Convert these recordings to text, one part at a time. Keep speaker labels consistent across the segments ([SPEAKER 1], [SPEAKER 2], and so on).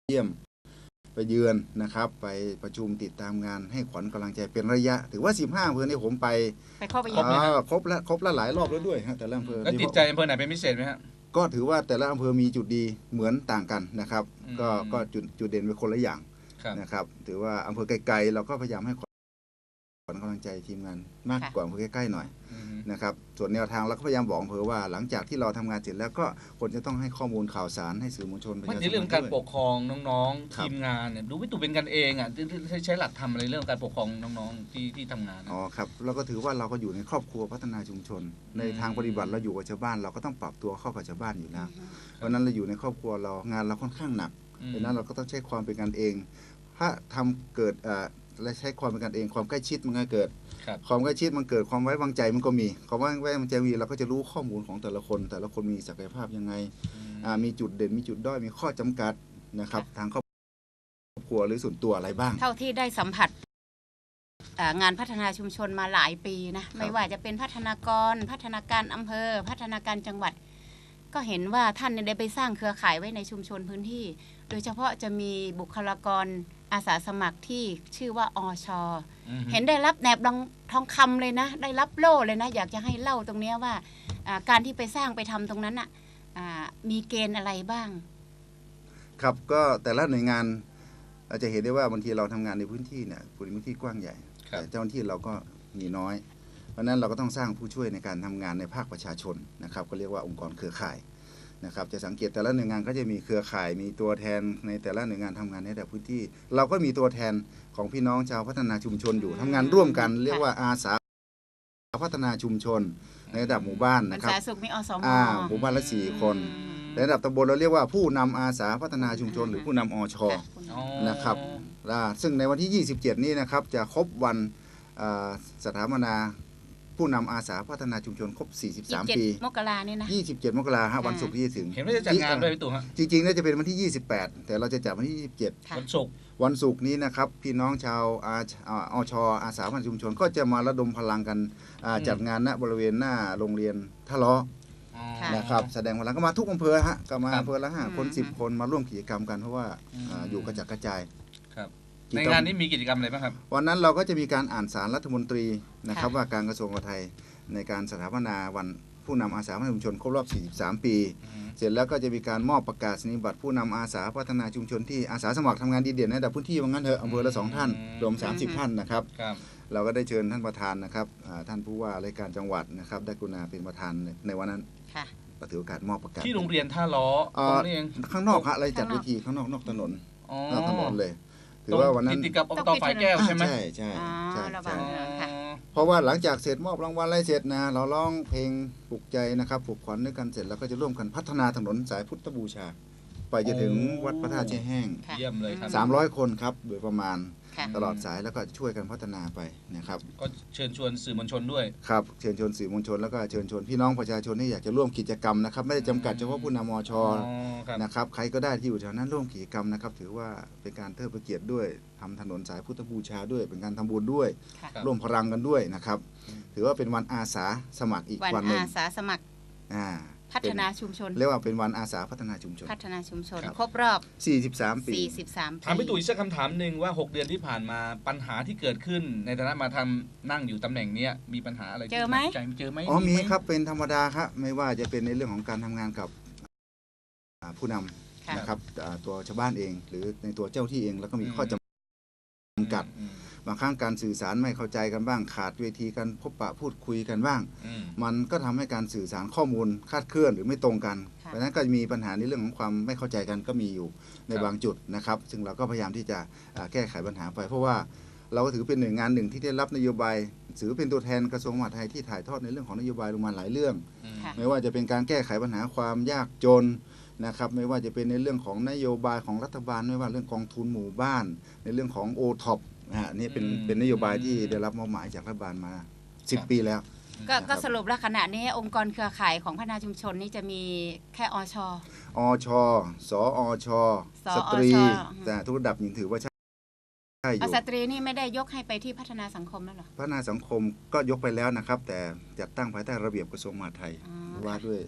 [SPEAKER 1] เยี่ยมไปเยือนนะครับไปประชุมติดตามงานให้ขวัญกำลังใจเป็นระยะถือว่า15 อำเภอนี่ผมไป
[SPEAKER 2] เข้าไปเยอะ
[SPEAKER 1] ครบแล้วหลายรอบแล้วด้วยฮะแต่ละอำเภอ
[SPEAKER 3] แล้วติดใจอำเภอไหนเป็นพิเศษไหมฮะ
[SPEAKER 1] ก็ถือว่าแต่ละอำเภอมีจุดดีเหมือนต่างกันนะครับก็จุดเด่นเป็นคนละอย่างนะครับถือว่าอำเภอไกลๆเราก็พยายามให้ขวัญกำลังใจทีมงานมากกว่าอำเภอใกล้ๆหน่อยนะครับส่วนแนวทางเราก็พยายามบอกอำเภอว่าหลังจากที่เราทำงานเสร็จแล้วก็คนจะต้องให้ข้อมูลข่าวสารให้สื่อมวลชนประชาชน
[SPEAKER 3] ในเรื่องการปกครองน้องๆทีมงานเนี่ยดูไม่ถูกเป็นกันเองอ่ะใช้หลักทำอะไรเรื่องการปกครองน้องๆที่ทำงาน
[SPEAKER 1] อ๋อครับเราก็ถือว่าเราก็อยู่ในครอบครัวพัฒนาชุมชนในทางปฏิบัติเราอยู่กับชาวบ้านเราก็ต้องปรับตัวเข้ากับชาวบ้านอยู่แล้วเพราะนั้นเราอยู่ในครอบครัวเรางานเราค่อนข้างหนักดังนั้นเราก็ต้องใช้ความเป็นกันเองถ้าทำเกิดและใช้ความเป็นกันเองความใกล้ชิดมันก็เกิดความใกล้ชิดมันเกิดความไว้วางใจมันก็มีความไว้วางใจมีเราก็จะรู้ข้อมูลของแต่ละคนมีศักยภาพยังไงมีจุดเด่นมีจุดด้อยมีข้อจำกัดนะครับทางครอบครัวหรือส่วนตัวอะไรบ้าง
[SPEAKER 2] เท่าที่ได้สัมผัสงานพัฒนาชุมชนมาหลายปีนะไม่ว่าจะเป็นพัฒนาการอำเภอพัฒนาการจังหวัดก็เห็นว่าท่านได้ไปสร้างเครือข่ายไว้ในชุมชนพื้นที่โดยเฉพาะจะมีบุคลากรอาสาสมัครที่ชื่อว่าอช.เห็นได้รับแหนบทองคำเลยนะได้รับโล่เลยนะอยากจะให้เล่าตรงนี้ว่าการที่ไปสร้างไปทำตรงนั้นมีเกณฑ์อะไรบ้าง
[SPEAKER 1] ครับก็แต่ละหน่วยงานเราจะเห็นได้ว่าบางทีเราทำงานในพื้นที่เนี่ยพื้นที่กว้างใหญ่แต่เจ้าหน้าที่เราก็มีน้อยเพราะนั้นเราก็ต้องสร้างผู้ช่วยในการทำงานในภาคประชาชนนะครับก็เรียกว่าองค์กรเครือข่ายนะครับจะสังเกตแต่ละหน่วยงานก็จะมีเครือข่ายมีตัวแทนในแต่ละหน่วยงานทำงานในแต่พื้นที่เราก็มีตัวแทนของพี่น้องชาวพัฒนาชุมชนอยู่ทำงานร่วมกันเรียกว่าอาสาพัฒนาชุมชนในระดับหมู่บ้านนะครับหมู่บ้านละ4 คนในระดับตำบลเราเรียกว่าผู้นำอาสาพัฒนาชุมชนหรือผู้นำอช.นะครับซึ่งในวันที่ 27 นี้นะครับจะครบวันสถาปนาผู้นำอาสาพัฒนาชุมชนครบ43 ปี
[SPEAKER 2] มกราเนี่ยนะ
[SPEAKER 1] 27 มกราคมวันศุกร์ที่จะถึง
[SPEAKER 3] เห็นว่าจะจัดงานด้วยพี่ตู่ฮะ
[SPEAKER 1] จริงๆน่าจะเป็นวันที่ 28แต่เราจะจัดวันที่ 27วันศุกร์นี้นะครับพี่น้องชาวอช.อาสาพัฒนาชุมชนก็จะมาระดมพลังกันจัดงานณบริเวณหน้าโรงเรียนท่าล้อนะครับแสดงพลังก็มาทุกอำเภอฮะก็มาอำเภอละ5 คน 10 คนมาร่วมกิจกรรมกันเพราะว่าอยู่กระจัดกระจาย
[SPEAKER 3] ในงานนี้มีกิจกรรมอะไรบ้างครับ
[SPEAKER 1] วันนั้นเราก็จะมีการอ่านสารรัฐมนตรีนะครับว่าการกระทรวงมหาดไทยในการสถาปนาวันผู้นำอาสาพัฒนาชุมชนครบรอบ43 ปีเสร็จแล้วก็จะมีการมอบประกาศนียบัตรผู้นำอาสาพัฒนาชุมชนที่อาสาสมัครทำงานดีเด่นในระดับพื้นที่ว่างั้นเถอะอำเภอละ2 ท่านรวม30 ท่านนะครับเราก็ได้เชิญท่านประธานนะครับท่านผู้ว่าราชการจังหวัดนะครับได้กรุณาเป็นประธานในวันนั้นก็ถือโอกาสมอบประกาศ
[SPEAKER 3] ที่โรงเรียนท่าล้อ
[SPEAKER 1] ข้างนอกฮะอะไรจัดเวทีข้างนอกถนนเลยถือว่าวันนั้น
[SPEAKER 3] ติดกับอบตฝ่ายแก้วใช่ไหม
[SPEAKER 1] ใช่เพราะว่าหลังจากเสร็จมอบรางวัลอะไรเสร็จนะเราร้องเพลงปลุกใจนะครับปลุกขวัญด้วยกันเสร็จแล้วก็จะร่วมกันพัฒนาถนนสายพุทธบูชาไปจนถึงวัดพระธาตุแช่แห้ง
[SPEAKER 3] เยี่ยมเลยครับ
[SPEAKER 1] 300 คนครับโดยประมาณตลอดสายแล้วก็ช่วยกันพัฒนาไปนะครับ
[SPEAKER 3] ก็เชิญชวนสื่อมวลชนด้วย
[SPEAKER 1] ครับเชิญชวนสื่อมวลชนแล้วก็เชิญชวนพี่น้องประชาชนที่อยากจะร่วมกิจกรรมนะครับไม่ได้จำกัดเฉพาะผู้นำมช.นะครับใครก็ได้ที่อยู่แถวนั้นร่วมกิจกรรมนะครับถือว่าเป็นการเทิดพระเกียรติด้วยทำถนนสายพุทธบูชาด้วยเป็นการทำบุญด้วยร่วมพลังกันด้วยนะครับถือว่าเป็นวันอาสาสมัครอีกวันหนึ่ง
[SPEAKER 2] อาสาสมัครพัฒนาชุมชน
[SPEAKER 1] เรียกว่าเป็นวันอาสาพัฒนาชุมชน
[SPEAKER 2] ครบรอบ
[SPEAKER 1] 43 ปี
[SPEAKER 3] ถามพี่ตุ๋ยสักคำถามหนึ่งว่า6 เดือนที่ผ่านมาปัญหาที่เกิดขึ้นในฐานะมาทำนั่งอยู่ตำแหน่งนี้มีปัญหาอะไร
[SPEAKER 2] เจอไหม
[SPEAKER 1] มีครับเป็นธรรมดาครับไม่ว่าจะเป็นในเรื่องของการทำงานกับผู้นำนะครับตัวชาวบ้านเองหรือในตัวเจ้าที่เองแล้วก็มีข้อจำกัดบางครั้งการสื่อสารไม่เข้าใจกันบ้างขาดเวทีการพบปะพูดคุยกันบ้างมันก็ทำให้การสื่อสารข้อมูลคลาดเคลื่อนหรือไม่ตรงกันเพราะฉะนั้นก็มีปัญหาในเรื่องของความไม่เข้าใจกันก็มีอยู่ในบางจุดนะครับซึ่งเราก็พยายามที่จะแก้ไขปัญหาไปเพราะว่าเราก็ถือเป็นหน่วยงานหนึ่งที่ได้รับนโยบายถือเป็นตัวแทนกระทรวงมหาดไทยที่ถ่ายทอดในเรื่องของนโยบายลงมาหลายเรื่องไม่ว่าจะเป็นการแก้ไขปัญหาความยากจนนะครับไม่ว่าจะเป็นในเรื่องของนโยบายของรัฐบาลไม่ว่าเรื่องกองทุนหมู่บ้านในเรื่องของOTOPนี่เป็นนโยบายที่ได้รับมอบหมายจากรัฐบาลมา10 ปีแล้ว
[SPEAKER 2] ก็สรุปแล้วขณะนี้องค์กรเครือข่ายของพัฒนาชุมชนนี่จะมีแค่อช.
[SPEAKER 1] สอช.สตรีแต่ทุกระดับยังถือว่าใช่อยู่
[SPEAKER 2] สตรีนี่ไม่ได้ยกให้ไปที่พัฒนาสังคมแล้วหรอ
[SPEAKER 1] พัฒนาสังคมก็ยกไปแล้วนะครับแต่จัดตั้งภายใต้ระเบียบกระทรวงมหาดไทยว่าด้วย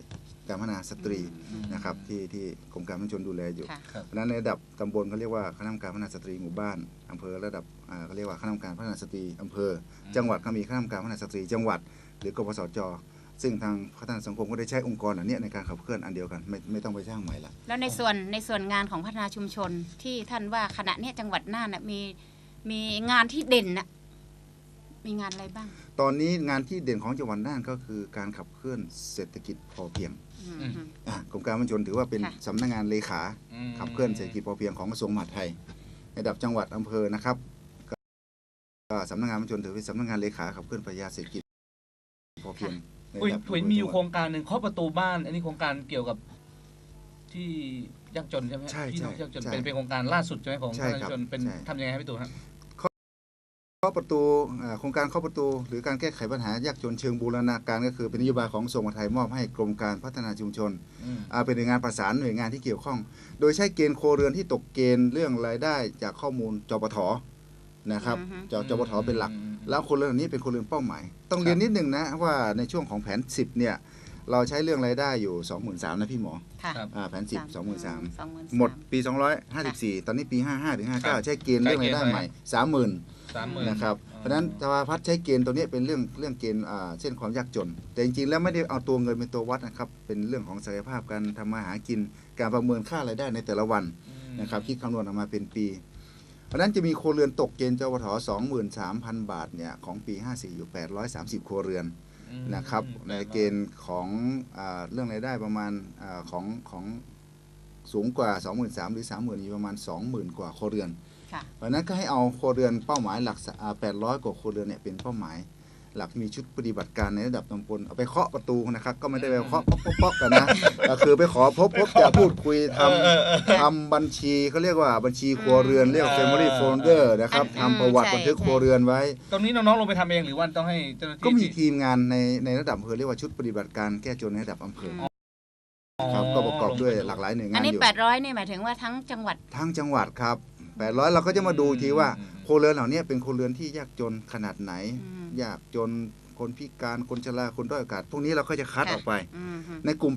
[SPEAKER 1] การพัฒนาสตรีนะครับที่กรมการพัฒนาชนดูแลอยู่
[SPEAKER 2] ค่ะ
[SPEAKER 3] ครับ
[SPEAKER 1] เพราะฉะนั้นในระดับตำบลเขาเรียกว่าคณะกรรมการพัฒนาสตรีหมู่บ้านอำเภอระดับเขาเรียกว่าคณะกรรมการพัฒนาสตรีอำเภอจังหวัดก็มีคณะกรรมการพัฒนาสตรีจังหวัดหรือกปสจซึ่งทางพัฒนาสังคมก็ได้ใช้องค์กรอันเนี้ยในการขับเคลื่อนอันเดียวกันไม่ต้องไปสร้างใหม่ละ
[SPEAKER 2] แล้วในส่วนงานของพัฒนาชุมชนที่ท่านว่าขณะเนี้ยจังหวัดน่านน่ะมีงานที่เด่นน่ะมีงานอะไรบ้าง
[SPEAKER 1] ตอนนี้งานที่เด่นของจังหวัดน่านก็คือการขับเคลื่อนเศรษฐกิจพอเพียง
[SPEAKER 2] อืม
[SPEAKER 1] กรมการพัฒนาชนถือว่าเป็น
[SPEAKER 2] ค่ะ
[SPEAKER 1] สำนักงานเลขาขับเคลื่อนเศรษฐกิจพอเพียงของกระทรวงมหาดไทยระดับจังหวัดอำเภอนะครับก็สำนักงานพัฒนาชนถือเป็นสำนักงานเลขาขับเคลื่อนปรัชญาเศรษฐกิจพอเพียงในระดับ
[SPEAKER 3] มีอยู่โครงการหนึ่งเคาะประตูบ้าน อันนี้โครงการเกี่ยวกับที่ยากจนใช่ไหม
[SPEAKER 1] ใช่
[SPEAKER 3] พี่น้องยากจน
[SPEAKER 1] ใช่
[SPEAKER 3] เป็นโครงการล่าสุดใช่ไหมของ
[SPEAKER 1] ใช่
[SPEAKER 3] ประ
[SPEAKER 1] ครั
[SPEAKER 3] ชา
[SPEAKER 1] บ
[SPEAKER 3] ชนเป็น
[SPEAKER 1] ใช่
[SPEAKER 3] ทำยังไงครับพี่ตู่ฮะ
[SPEAKER 1] เคาะประตูโครงการเคาะประตูหรือการแก้ไขปัญหายากจนเชิงบูรณาการก็คือเป็นนโยบายของกระทรวงมหาดไทยมอบให้กรมการพัฒนาชุมชนเป็นหน่วยงานประสานหน่วยงานที่เกี่ยวข้อง โดยใช้เกณฑ์โครัวเรือนที่ตกเกณฑ์เรื่องรายได้จากข้อมูลจปทนะครับจปทเป็นหลัก แล้วคนเรือนเหล่านี้เป็นคนเรือนเป้าหมาย ต้องเรียนนิดหนึ่งนะว่าในช่วงของแผน 10เนี่ยเราใช้เรื่องรายได้อยู่ 23,000นะพี่หมอ
[SPEAKER 2] ค่ะ
[SPEAKER 3] ครับ
[SPEAKER 1] แผน 10 23,000
[SPEAKER 2] 23,000
[SPEAKER 1] หมดปี 254 ตอนนี้ปี 55 ถึง 59 ใช้เกณฑ์เรื่องรายได้ใหม่ 30,000
[SPEAKER 3] 30,000
[SPEAKER 1] นะครับเพราะฉะนั้นสภาพัฒน์ใช้เกณฑ์ตัวนี้เป็นเรื่องเกณฑ์เส้นความยากจน แต่จริงๆแล้วไม่ได้เอาตัวเงินเป็นตัววัดนะครับเป็นเรื่องของศักยภาพการทำมาหากินการประเมินค่ารายได้ในแต่ละวันนะครับคิดคำนวณออกมาเป็นปี เพราะฉะนั้นจะมีครัวเรือนตกเกณฑ์จปท 23,000 บาทเนี่ยของปี 54 อยู่ 830 ครัวเรือนนะครับในเกณฑ์ของเรื่องรายได้ประมาณของสูงกว่า 23,000 หรือ 30,000อยู่ประมาณ 20,000 กว่าครัวเรือน
[SPEAKER 2] ค่ะ
[SPEAKER 1] เพราะฉะนั้นก็ให้เอาครัวเรือนเป้าหมายหลัก800 กว่าครัวเรือนเนี่ยเป็นเป้าหมาย หลักมีชุดปฏิบัติการในระดับตำบลเอาไปเคาะประตูนะครับก็ไม่ได้ไปเคาะป๊อกๆกันนะก็คือไปขอพบจะพูดคุยทำบัญชีเขาเรียกว่าบัญชีครัวเรือนเรียกว่า family folder นะครับทำประวัติบันทึกครัวเรือนไว้
[SPEAKER 3] ตรงนี้น้องๆลงไปทำเองหรือว่าต้องให้เจ้าหน้าที่
[SPEAKER 1] ก็มีทีมงานในระดับอำเภอเรียกว่าชุดปฏิบัติการแก้จนในระดับอำเภอครับก็ประกอบด้วยหลากหลายหน่วยงา
[SPEAKER 2] อั
[SPEAKER 1] น
[SPEAKER 2] น
[SPEAKER 1] อ
[SPEAKER 2] นี้
[SPEAKER 1] ยู่
[SPEAKER 2] 800นี่หมายถึงว่าทั้งจังหวัด
[SPEAKER 1] ทั้งจังหวัดครับ800เราก็จะมาดูทีว่าครัวเรือนเหล่านี้เป็นครัวเรือนที่ยากจนขนาดไหน ยากจนคนพิการคนชราคนด้อยโอกาสพวกนี้เราก็จะคัดออกไป ในกลุ่ม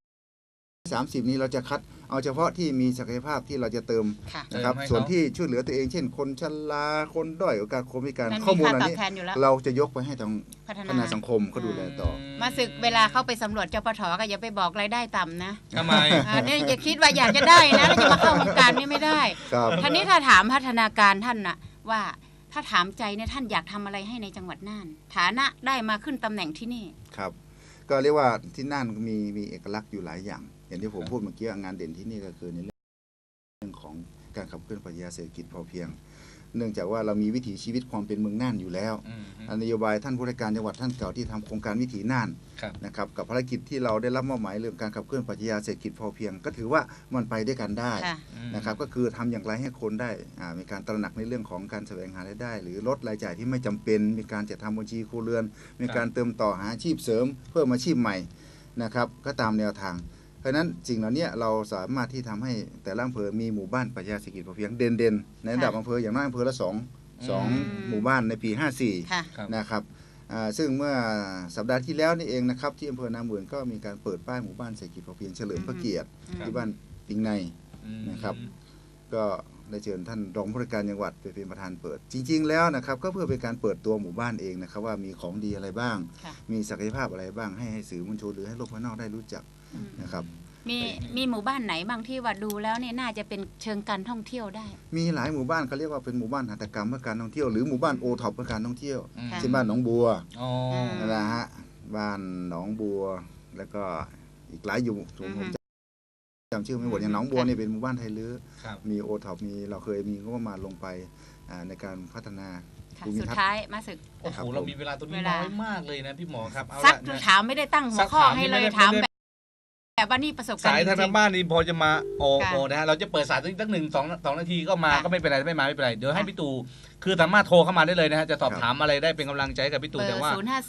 [SPEAKER 1] 830นี้เราจะคัดเอาเฉพาะที่มีศักยภาพที่เราจะเติม
[SPEAKER 2] ค่ะ
[SPEAKER 1] นะครับ
[SPEAKER 3] เติมให้เขา
[SPEAKER 1] ส่วนที่ช่วยเหลือตัวเองเช่น คนชราคนด้อยโอกาสคนพิการ
[SPEAKER 2] มัน
[SPEAKER 1] ข้อ
[SPEAKER 2] มี
[SPEAKER 1] มูล
[SPEAKER 2] ค่า
[SPEAKER 1] อัน
[SPEAKER 2] ตอบ
[SPEAKER 1] นี้
[SPEAKER 2] แทนอยู่แล้ว
[SPEAKER 1] เราจะยกไปให้ทาง
[SPEAKER 2] พัฒ
[SPEAKER 1] พัฒนา
[SPEAKER 2] นา
[SPEAKER 1] สังคมเขาดูแลต่อ
[SPEAKER 2] มาศึกเวลาเข้าไปสำรวจจปทก็อย่าไปบอกรายได้ต่ำนะ
[SPEAKER 3] ทำไม
[SPEAKER 2] เนี่ยอย่าคิดว่าอยากจะได้นะแล้วจะมาเข้าวงการนี่ไม่ได้
[SPEAKER 1] ครับ
[SPEAKER 2] ท่านี้ถ้าถามพัฒนาการท่านน่ะว่าถ้าถามใจเนี่ยท่านอยากทำอะไรให้ในจังหวัดน่าน ฐานะได้มาขึ้นตำแหน่งที่นี่
[SPEAKER 1] ครับ ก็เรียกว่าที่น่านมีเอกลักษณ์อยู่หลายอย่าง อย่างที่ผมพูดเมื่อกี้งานเด่นที่นี่ก็คือในเรื่องของการขับเคลื่อนปรัชญาเศรษฐกิจพอเพียง เนื่องจากว่าเรามีวิถีชีวิตความเป็นเมืองน่านอยู่แล้วนโยบายท่านผู้ว่าการจังหวัดท่านเก่าที่ทำโครงการวิถีน่าน
[SPEAKER 3] ครับ
[SPEAKER 1] นะครับกับภารกิจที่เราได้รับมอบหมายเรื่องการขับเคลื่อนปรัชญาเศรษฐกิจพอเพียง ก็ถือว่ามันไปด้วยกันได้
[SPEAKER 2] ค่ะ
[SPEAKER 1] นะครับก็คือทำอย่างไรให้คนได้มีการตระหนักในเรื่องของการแสวงหารายได้ หรือลดรายจ่ายที่ไม่จำเป็น มีการจัดทำบัญชีครัวเรือน มีการเติมต่อหาอาชีพเสริม เพิ่มอาชีพใหม่นะครับก็ตามแนวทาง เพราะฉะนั้นสิ่งเหล่านี้เราสามารถที่ทำให้แต่ละอำเภอมีหมู่บ้านปรัชญาเศรษฐกิจพอเพียงเด่นๆในระดับอำเภออย่างน้อยอำเภอละสองหมู่บ้านในปี 54
[SPEAKER 2] ค่ะ
[SPEAKER 1] นะครับซึ่งเมื่อสัปดาห์ที่แล้วนี่เองนะครับที่อำเภอนาหมื่นก็มีการเปิดป้ายหมู่บ้านเศรษฐกิจพอเพียงเฉลิมพระเกียรติที่บ้านปิงในนะครับ ก็ได้เชิญท่านรองผู้ว่าการจังหวัดไปเป็นประธานเปิด จริงๆแล้วนะครับก็เพื่อเป็นการเปิดตัวหมู่บ้านเองนะครับว่ามีของดีอะไรบ้าง
[SPEAKER 2] ค่ะ
[SPEAKER 1] มีศักยภาพอะไรบ้างให้สื่อมวลชนหรือให้โลกภายนอกได้รู้จักนะครับ
[SPEAKER 2] มีหมู่บ้านไหนบางที่ว่าดูแล้วเนี่ยน่าจะเป็นเชิงการท่องเที่ยวได้
[SPEAKER 1] มีหลายหมู่บ้านเขาเรียกว่าเป็นหมู่บ้านหัตถกรรมเพื่อการท่องเที่ยวหรือหมู่บ้านโอท็อปเพื่อการท่องเที่ยว
[SPEAKER 2] ค่ะ
[SPEAKER 1] เช่นบ้านหนองบัว
[SPEAKER 3] อ๋อ
[SPEAKER 1] นั่นแหละฮะบ้านหนองบัวแล้วก็อีกหลายอยู่ผมจำชื่อไม่หมดอย่างหนองบัวนี่เป็นหมู่บ้านไทยลื้อ
[SPEAKER 3] ครับ
[SPEAKER 1] มีโอท็อปเราเคยมีงบประมาณลงไปในการพัฒนา
[SPEAKER 2] ค่ะ
[SPEAKER 1] ภูมิ
[SPEAKER 2] สุด
[SPEAKER 1] ทัศน์
[SPEAKER 2] ท้ายมาศึก
[SPEAKER 3] โอ้โหเรามีเวลาตรงนี้
[SPEAKER 2] เวลา
[SPEAKER 3] น้อยมากเลยนะพี่หมอครับเอา
[SPEAKER 2] ซั
[SPEAKER 3] ละ
[SPEAKER 2] ก
[SPEAKER 3] นะ
[SPEAKER 2] ถามไม่ได้ตั้งหัวข้อให้เลยถามแบบว่านี่ประสบการ
[SPEAKER 3] สาย
[SPEAKER 2] ณ์จ
[SPEAKER 3] ทาง
[SPEAKER 2] ริง
[SPEAKER 3] บ้านนี่พอจะมาโอ
[SPEAKER 2] ค่ะ
[SPEAKER 3] โอนะฮะเราจะเปิดสายสักหนึ่งสองนาทีก็มา
[SPEAKER 2] ค่ะ
[SPEAKER 3] ก็ไม่เป็นไรไม่มาไม่เป็นไรเดี๋ยวให้
[SPEAKER 2] ค่ะ
[SPEAKER 3] พี่ตู่คือสามารถโทรเข้ามาได้เลยนะฮะจะสอบ
[SPEAKER 1] ครับ
[SPEAKER 3] ถามอะไรได้เป็นกำลังใจให้กับพี่
[SPEAKER 2] เบ
[SPEAKER 3] ตู่
[SPEAKER 2] อ
[SPEAKER 3] แต่
[SPEAKER 2] ร์
[SPEAKER 3] ว่า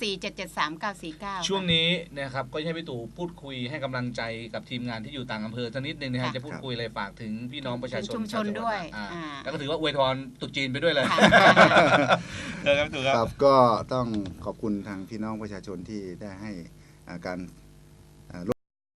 [SPEAKER 2] 054773949
[SPEAKER 3] ช่วงนี้นะครับก็ให้พี่ตู่พูดคุยให้กำลังใจกับทีมงานที่อยู่ต่างอำเภอสักนิดนึงนะฮะ
[SPEAKER 2] ค่ะ
[SPEAKER 3] จะพูดคุยอะไรฝากถึงพี่น้องประชาชน
[SPEAKER 2] ชุมชน
[SPEAKER 3] ชาจังห
[SPEAKER 2] ด้วย
[SPEAKER 3] อ่า
[SPEAKER 2] อ่า
[SPEAKER 3] แล้วก็ถือว่าอวยพรตรุษจีนไปด้วยเลย
[SPEAKER 2] ค่ะ
[SPEAKER 3] เจอกันพี่ตู่ครับ
[SPEAKER 1] ครับก็ต้องขอบคุณทางพี่น้องประชาชนที่ได้ให้การ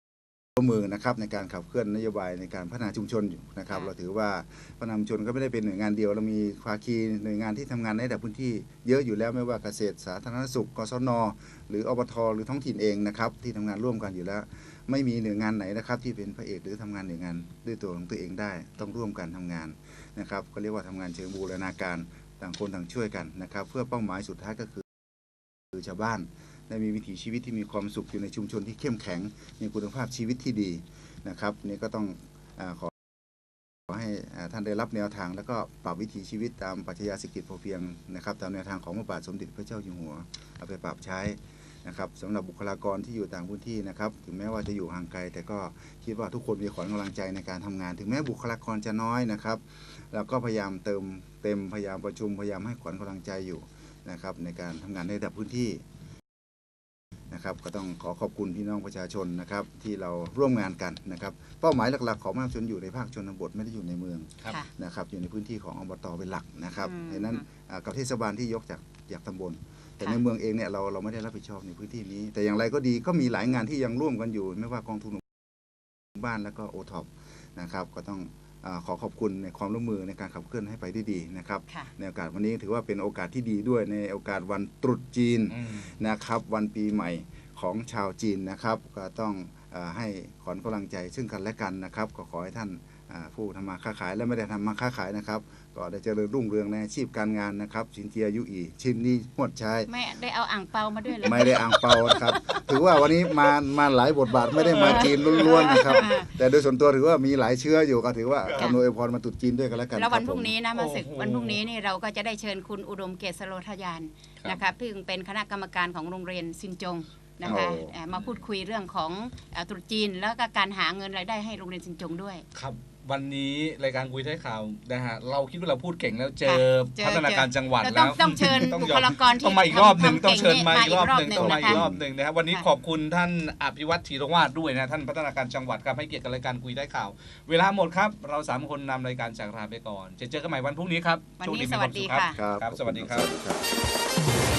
[SPEAKER 1] ร่วมมือนะครับในการขับเคลื่อนนโยบายในการพัฒนาชุมชนอยู่นะครับเราถือว่าพัฒนาชุมชนก็ไม่ได้เป็นหน่วยงานเดียวเรามีภาคีหน่วยงานที่ทำงานในระดับพื้นที่เยอะอยู่แล้วไม่ว่าเกษตรสาธารณสุขกสนหรืออบทหรือท้องถิ่นเองนะครับที่ทำงานร่วมกันอยู่แล้ว ไม่มีหน่วยงานไหนนะครับที่เป็นพระเอกหรือทำงานหน่วยงานด้วยตัวของตัวเองได้ต้องร่วมกันทำงานนะครับก็เรียกว่าทำงานเชิงบูรณาการต่างคนต่างช่วยกันนะครับเพื่อเป้าหมายสุดท้ายก็คือชาวบ้านได้มีวิถีชีวิตที่มีความสุขอยู่ในชุมชนที่เข้มแข็งมีคุณภาพชีวิตที่ดีนะครับนี่ก็ต้องขอให้ท่านได้รับแนวทางแล้วก็ปรับวิถีชีวิตตามปรัชญาเศรษฐกิจพอเพียงนะครับตามแนวทางของพระบาทสมเด็จพระเจ้าอยู่หัวเอาไปปรับใช้นะครับสำหรับบุคลากรที่อยู่ต่างพื้นที่นะครับถึงแม้ว่าจะอยู่ห่างไกลแต่ก็คิดว่าทุกคนมีขวัญกำลังใจในการทำงานถึงแม้บุคลากรจะน้อยนะครับเราก็พยายามเติมเต็มพยายามประชุมพยายามให้ขวัญกำลังใจอยู่นะครับในการทำงานในระดับพื้นที่นะครับก็ต้องขอขอบคุณพี่น้องประชาชนนะครับที่เราร่วมงานกันนะครับเป้าหมายหลักๆของมหาชนอยู่ในภาคชนบทไม่ได้อยู่ในเมือง
[SPEAKER 3] ครับ
[SPEAKER 1] นะครับอยู่ในพื้นที่ของอบตเป็นหลักนะครับดังนั้นกับเทศบาลที่ยกจากตำบลแต่ในเมืองเองเนี่ยเราไม่ได้รับผิดชอบในพื้นที่นี้ แต่อย่างไรก็ดีก็มีหลายงานที่ยังร่วมกันอยู่ไม่ว่ากองทุนหมู่บ้านแล้วก็โอท็อปนะครับก็ต้องขอขอบคุณในความร่วมมือในการขับเคลื่อนให้ไปได้ดีนะครับในโอกาสวันนี้ถือว่าเป็นโอกาสที่ดีด้วยในโอกาสวันตรุษจีนนะครับวันปีใหม่ของชาวจีนนะครับก็ต้องให้ขวัญกำลังใจซึ่งกันและกันนะครับก็ขอให้ท่านผู้ทำมาค้าขายและไม่ได้ทำมาค้าขายนะครับก็ได้เจริญรุ่งเรืองในอาชีพการงานนะครับสินเจียยุอีชินนี้หมดใช้
[SPEAKER 2] ไม่ได้เอาอ่างเปามาด้วยเลย
[SPEAKER 1] ไม่ได้อ่างเปาครับถือว่าวันนี้มาหลายบทบาทไม่ได้มาจีนล้วนๆนะครับแต่โดยส่วนตัวถือว่ามีหลายเชื้ออยู่ก็ถือว่าอำนวยพรมาตรุษจีนด้วยกันแล้วกัน
[SPEAKER 2] แล้ววันพรุ่งนี้นะมาศึกวันพรุ่งนี้นี่เราก็จะได้เชิญคุณอุดมเกษโรทยานนะคะซึ่งเป็นคณะกรรมการของโรงเรียนซินจงนะคะมาพูดคุยเรื่องของตรุษจีนแล้วก็การหาเงินรายได้ให้โรงเรียนซินจงด้วย
[SPEAKER 3] ครับวันนี้รายการคุยท้ายข่าวนะฮะเราคิดว่าเราพูดเก่งแล้วเจอพัฒนาการจังหวัดแล้ว
[SPEAKER 2] ต้องเชิญบุคลากรที่
[SPEAKER 3] ต้องมาอีกรอบหนึ่งต้องเชิญมาอีกรอบหนึ่งต้องมาอีกรอบหนึ่งนะครับวันนี้ขอบคุณท่านอภิวัตรธีรวาทด้วยนะท่านพัฒนาการจังหวัดครับให้เกียรติกับรายการคุยท้ายข่าวเวลาหมดครับเรา3คนนำรายการจากลาไปก่อนจะเจอกันใหม่วันพรุ่งนี้ครับ
[SPEAKER 2] วันนี้สวัสดีค่ะ
[SPEAKER 3] ครับสวัสดีครับ